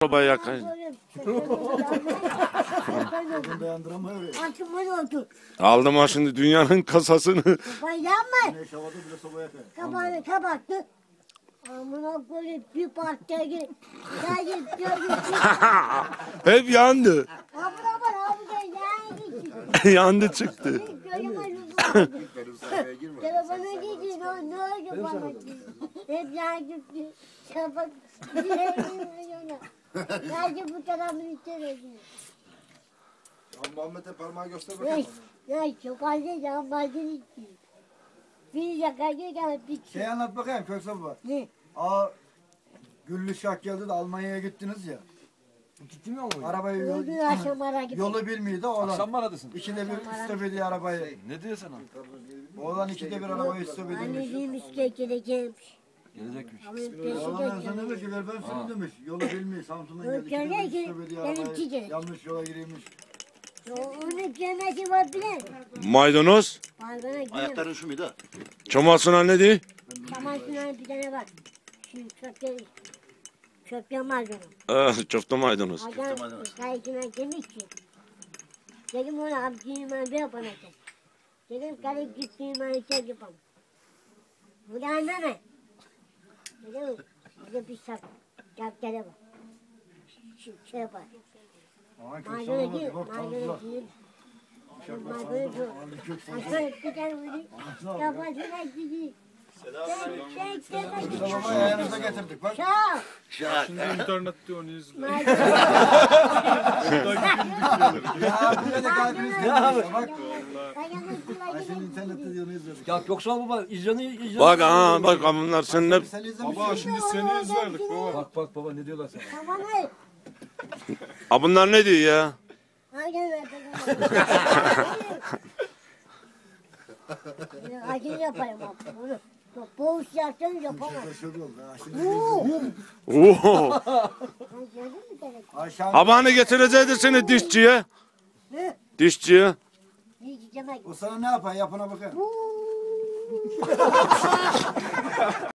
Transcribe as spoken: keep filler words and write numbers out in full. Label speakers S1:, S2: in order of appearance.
S1: Baba yakın. Aldım ha şimdi dünyanın kasasını.
S2: Yanma. Kapağını kapattı. Amına koyayım bir partiye gir. Geldi gördüm.
S1: Hep yandı.
S2: Abla var abla yani.
S1: Yandı çıktı.
S2: Telefona gidin o ne oldu bana? Hep yandı. Kapat. Geldi bu tarafın içeri.
S3: Muhammed'e parmağı göster bakayım.
S2: Ya çok az ya madem içti. Bir yakaya gel bir
S3: Şey anlat bakayım Köksal baba.
S2: Ne?
S3: Aa Güllü Şah geldi de Almanya'ya gittiniz ya.
S4: Gitti mi ama?
S3: Arabayı yol,
S2: Öldü akşam ara gitti.
S3: yolu bilmiyordu oğlan.
S4: Akşam mı aradısın?
S3: İkide bir istop ediyor arabayı.
S4: Ne diyor sana?
S3: Oğlan ikide bir arabayı istop edilmiş.
S2: Anneciğim işte geleceğimmiş.
S4: Gelecekmiş.
S2: Ama peşi
S3: Oğlan sen
S2: geçiyor.
S3: demiş ki ver ben seni demiş. Yolu bilmiyor. Samsun'dan
S2: Öyle
S3: geldi. İkide bir
S2: ki,
S3: istop ediyor
S2: benimki
S3: arabayı.
S2: de.
S3: Yanlış yola girmiş.
S2: Onun cemesi var bile.
S1: Maydanoz.
S2: Balgana giremez.
S5: Ayakların şu muydu?
S1: Çomasına ne diyor?
S2: Çamaşırların bir tane var. Şu çöpte, çöpte malzeme.
S1: Ah, çofta maydanoz.
S2: Adam kayıkına demiş ki. Dedim ona abicim ben bir yapana sen. Dedim karıp gittiğim ben şey yapalım. Bu da anlama. Dedim bize bir sap. Çaptere var. Şu şey yapar.
S3: Aman Köksal
S2: Malzeme
S3: baba
S2: değil,
S3: bir bak
S2: malzeme
S3: tanıdılar.
S2: değil. Malzeme değil. Aşağı bir tane vurayım. Kafasına gidiyor. Sen, sen, sen,
S3: Köksal babayı ayağınıza getirdik bak.
S2: Çal.
S5: Şimdi
S6: İnternette onu izle.
S3: Ya böyle de kalbimiz
S4: Ya
S3: değil. Bak.
S2: Ayağına
S3: Ayşe'nin internette diyor ne izledik.
S4: Ya Göksal baba icranı icranı.
S1: Bak ha bak bunlar seninle
S3: Sen izlemişsin.
S6: Baba şimdi seni izlerdik baba.
S4: Bak bak baba ne diyorlar sana?
S2: Tamam hayır.
S1: Ha bunlar ne diyor ya?
S2: Aynen öyle. Acil yaparım abi. Bunu boğuş yaptım yapamam.
S3: Şöyle oldu. ha, şimdi
S1: Oo.
S2: Ay, gördün mü demek?
S3: Ayşe
S1: Habanı getirecekti seni dişçiye.
S2: Ne?
S1: Dişçiye.
S2: Diyeceğim.
S3: o sana ne yapar yapına bakar.
S2: Uuu.